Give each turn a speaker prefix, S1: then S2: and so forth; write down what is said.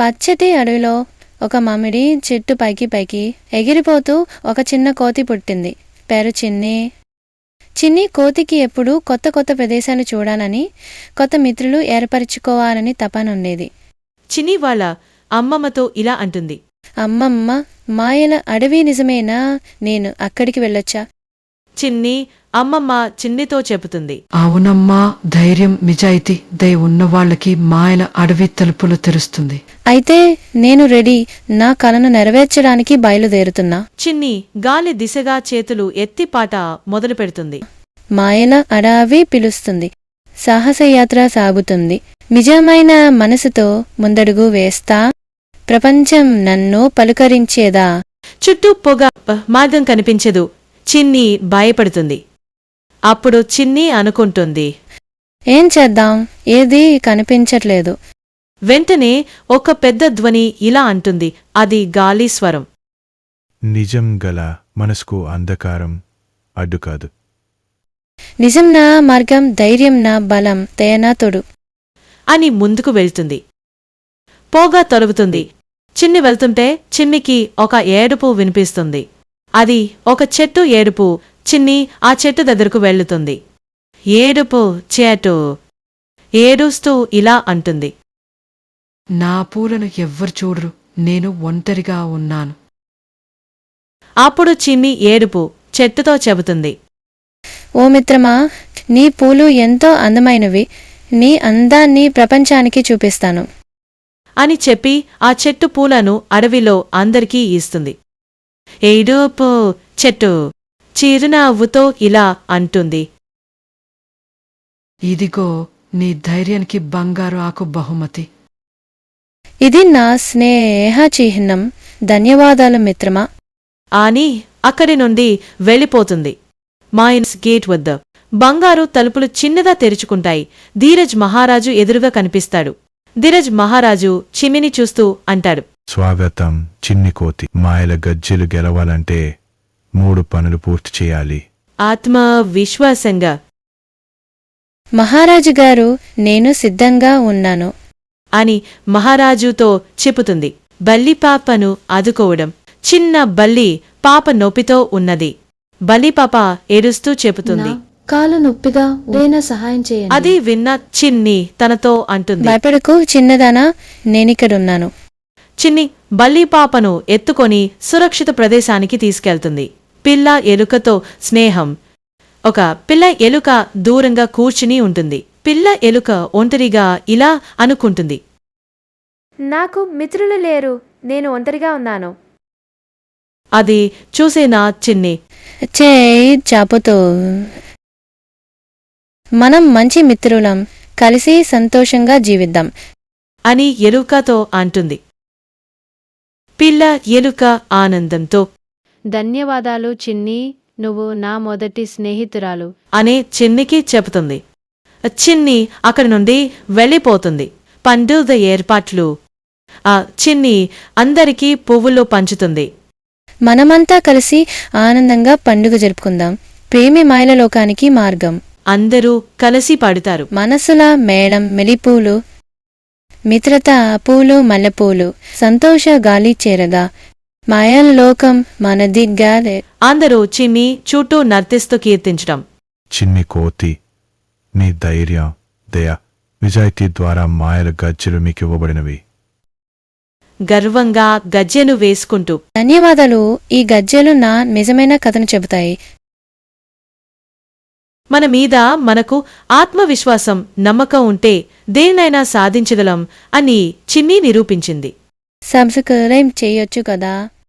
S1: పచ్చటి అడవిలో ఒక మామిడి చెట్టు పైకి పైకి ఎగిరిపోతూ ఒక చిన్న కోతి పుట్టింది. పేరు చిన్ని. చిన్ని కోతికి ఎప్పుడూ కొత్త కొత్త ప్రదేశాలు చూడాలని, కొత్త మిత్రులు ఏర్పరచుకోవాలని తపనుండేది.
S2: చిన్ని వాళ్ళ అమ్మమ్మతో ఇలా అంటుంది.
S1: అమ్మమ్మ, మాయల అడవి నిజమేనా? నేను అక్కడికి వెళ్ళొచ్చా?
S2: చిన్ని అమ్మమ్మ చిన్నితో చెబుతుంది.
S3: అవునమ్మా, ధైర్యం, నిజాయితీ దయ ఉన్నవాళ్లకి మాయల అడవి తలుపులు తెరుస్తుంది.
S1: అయితే నేను రెడీ. నా కలను నెరవేర్చడానికి బయలుదేరుతున్నా.
S2: చిన్ని గాలి దిశగా చేతులు ఎత్తి పాట మొదలు పెడుతుంది.
S1: మాయల అడవి పిలుస్తుంది. సాహసయాత్ర సాగుతుంది. నిజమైన మనసుతో ముందడుగు వేస్తా. ప్రపంచం నన్ను పలుకరించేదా.
S2: చుట్టూ పొగ, మార్గం కనిపించదు. చిన్ని భయపడుతుంది. అప్పుడు చిన్ని అనుకుంటుంది,
S1: ఏం చేద్దాం? ఏదీ కనిపించట్లేదు.
S2: వెంటనే ఒక పెద్ద ధ్వని ఇలా అంటుంది. అది గాలి స్వరం.
S4: నిజం గల మనసుకు అంధకారం అడ్డుకాదు.
S1: నిజం నా మార్గం, ధైర్యం నా బలం, దయ నా తోడు
S2: అని ముందుకు వెళ్తుంది. పొగ తొలగుతుంది. చిన్ని వెళ్తుంటే చిన్నికి ఒక ఏడుపు వినిపిస్తుంది. అది ఒక చెట్టు ఏడుపు. చిన్ని ఆ చెట్టు దగ్గరకు వెళ్తుంది. ఏడుపు చెట్టు ఏడుస్తూ ఇలా అంటుంది.
S3: నా పూలను ఎవ్వరు చూడరు, నేను ఒంటరిగా ఉన్నాను.
S2: అప్పుడు చిన్ని ఏడుపు చెట్టుతో చెబుతుంది.
S1: ఓ మిత్రమా, నీ పూలు ఎంతో అందమైనవి. నీ అందాన్ని ప్రపంచానికి చూపిస్తాను
S2: అని చెప్పి ఆ చెట్టు పూలను అడవిలో అందరికీ ఇస్తుంది. ఏడుపు చెట్టు చిరునవ్వుతో ఇలా అంటుంది.
S3: ఇదిగో నీ ధైర్యానికి బంగారు ఆకు బహుమతి.
S1: ఇది నా స్నేహ చిహ్నం. ధన్యవాదాలు మిత్రమా
S2: అని అక్కడి నుండి వెళ్ళిపోతుంది. మైన్స్ గేట్ వద్ద బంగారు తలుపులు చిన్నగా తెరుచుకుంటాయి. ధీరజ్ మహారాజు ఎదురుగా కనిపిస్తాడు. ధీరజ్ మహారాజు చిమ్మిని చూస్తూ అంటాడు.
S4: స్వాగతం చిన్ని కోతి. మాయల గజ్జెలు గెలవాలంటే 3 పనులు పూర్తి చేయాలి.
S2: ఆత్మవిశ్వాసంగా.
S1: మహారాజు గారు, నేను సిద్ధంగా ఉన్నాను
S2: అని మహారాజుతో చెప్పుతుంది. బల్లిపాపను ఆదుకోవడం. చిన్న బల్లి పాప నొప్పితో ఉన్నది. బల్లిపాప ఏడుస్తూ చెబుతుంది.
S1: కాలు నొప్పిగా, సహాయం చేయండి.
S2: అది విన్న చిన్ని తనతో అంటుంది.
S1: భయపడకు చిన్నదానా, నేనిక్కడున్నాను.
S2: చిన్ని బల్లిపాపను ఎత్తుకొని సురక్షిత ప్రదేశానికి తీసుకెళ్తుంది. పిల్ల ఎలుకతో స్నేహం. ఒక పిల్ల ఎలుక దూరంగా కూర్చుని ఉంటుంది. పిల్ల ఎలుక ఒంటరిగా ఇలా అనుకుంటుంది.
S1: నాకు మిత్రులు లేరు, నేను ఒంటరిగా ఉన్నాను.
S2: అది చూసేనా చిన్ని
S1: చేయి చాపుతూ, మనం మంచి మిత్రులం, కలిసి సంతోషంగా జీవిద్దాం
S2: అని ఎలుకతో అంటుంది. పిల్ల ఎలుక ఆనందంతో,
S1: ధన్యవాదాలు చిన్ని, నువ్వు నా మొదటి స్నేహితురాలు
S2: అనే చిన్నికి చెబుతుంది. చిన్ని అక్కడి నుండి వెళ్ళిపోతుంది. పండుగ ఏర్పాట్లు. ఆ చిన్ని అందరికీ పువ్వులు పంచుతుంది.
S1: మనమంతా కలిసి ఆనందంగా పండుగ జరుపుకుందాం. ప్రేమి మాయల లోకానికి మార్గం.
S2: అందరూ కలిసి పాడుతారు.
S1: మనసుల మేళం మెలిపూలు, మిత్రత పూలు మల్లెపూలు, సంతోష గాలి చేరగా, మాయల లోకం మనదిగ్గా.
S2: అందరూ చిన్ని చుట్టూ నర్తిస్తూ కీర్తించడం.
S4: చిన్ని కోతి, నీ ధైర్యం, దయ, నిజాయితీ ద్వారా మాయల గజ్జెలు మీకివ్వబడినవి.
S2: గర్వంగా గజ్జెను వేసుకుంటూ,
S1: ధన్యవాదాలు. ఈ గజ్జెలు నా నిజమైన కథను చెబుతాయి.
S2: మన మీద మనకు ఆత్మవిశ్వాసం, నమ్మకం ఉంటే దేన్నైనా సాధించగలం అని చిన్ని నిరూపించింది.
S1: సబ్స్క్రైబ్ చేయొచ్చు కదా.